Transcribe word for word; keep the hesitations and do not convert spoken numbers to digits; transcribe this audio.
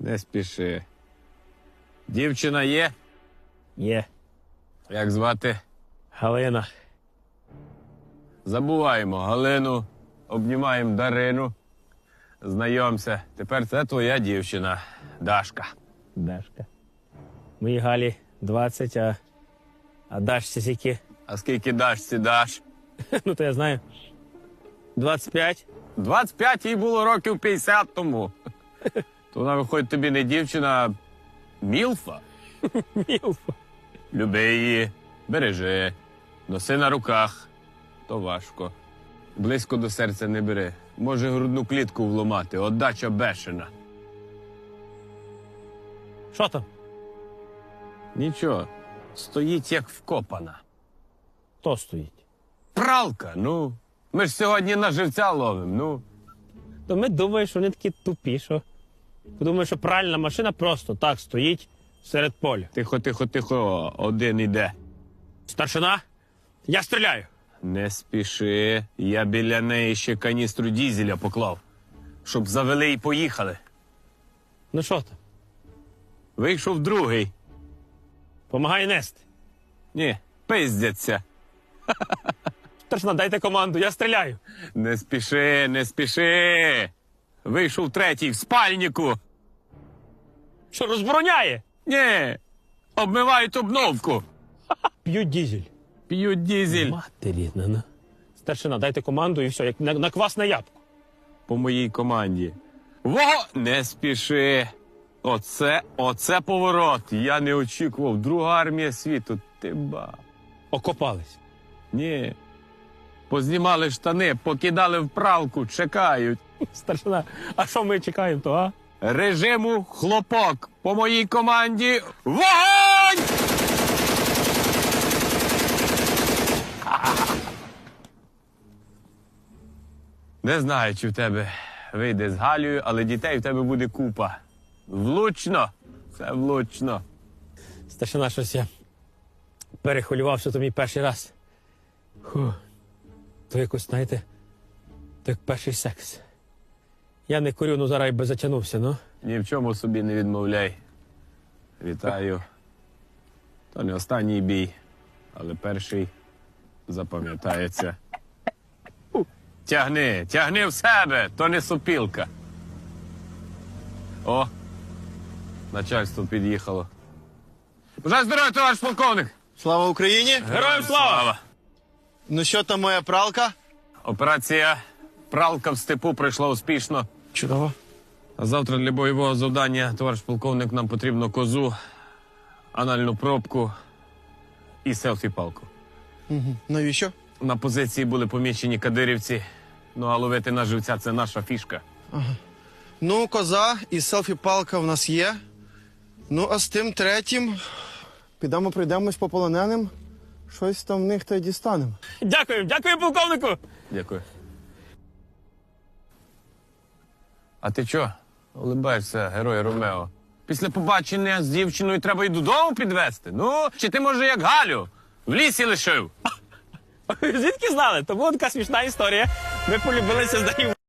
Не спіши. Дівчина є? Є. Як звати? Галина. Забуваємо Галину, обнімаємо Дарину. Знайомся. Тепер це твоя дівчина, Дашка. Дашка. Моїй Галі двадцять, а, а Дашці скільки? А скільки Дашці даш? Ну, то я знаю. двадцять п'ять. двадцять п'ять їй було років п'ятдесят тому. То вона, виходить, тобі не дівчина, а мілфа. Мілфа. Люби її, бережи, носи на руках. То важко. Близько до серця не бери. Може грудну клітку вломати, отдача бешена. Що там? Нічого, стоїть як вкопана. Хто стоїть? Пралка, ну. Ми ж сьогодні на живця ловимо, ну. То ми думаємо, що вони такі тупі, що... Подумаємо, що пральна машина просто так стоїть серед поля. Тихо, тихо, тихо, один іде. Старшина, я стріляю. Не спіши, я біля неї ще каністру дізеля поклав, щоб завели і поїхали. Ну що там? Вийшов другий. Помагай нести. Ні, пиздяться. Старшина, дайте команду, я стріляю. Не спіши, не спіши. Вийшов третій в спальнику. Що, розбороняє? Ні, обмивають обновку. П'ють дізель. П'ють дізель. Матері, на. Старшина, дайте команду і все, як на, на квасне ябко. По моїй команді. Во! Не спіши. Оце, оце поворот. Я не очікував. Друга армія світу. Ти ба. Окопались. Ні. Познімали штани, покидали в пралку, чекають. Старшина, а що ми чекаємо, то, а? Режиму хлопок. По моїй команді вогонь! Не знаю, чи в тебе вийде з Галею, але дітей в тебе буде купа. Влучно. Це влучно. Старшина, щось я перехвилювався, то мій перший раз. Фу. То якось, знаєте, то як перший секс. Я не курю, ну зараз би затягнувся, ну. Ні в чому собі не відмовляй. Вітаю. То не останній бій, але перший запам'ятається. Тягни, тягни в себе, то не сопілка. О, начальство під'їхало. Бажаю здоров'я, товариш полковник! Слава Україні! Героям слава! Ну що там моя пралка? Операція «Пралка в степу» пройшла успішно. Чудово. А завтра для бойового завдання, товариш полковник, нам потрібно козу, анальну пробку і селфі-палку. Угу. Навіщо? На позиції були помічені кадирівці, ну а ловити на живця – це наша фішка. Ну, коза і селфі-палка в нас є. Ну, а з тим третім підемо пройдемось по полоненим. Щось там в них та й дістанемо. Дякую, дякую, полковнику! Дякую. А ти чо? Улибаєшся, герой Ромео. Після побачення з дівчиною треба й додому підвезти. Ну, чи ти, може, як Галю, в лісі лишив? Звідки знали? То була така смішна історія. Ми полюбилися з нею.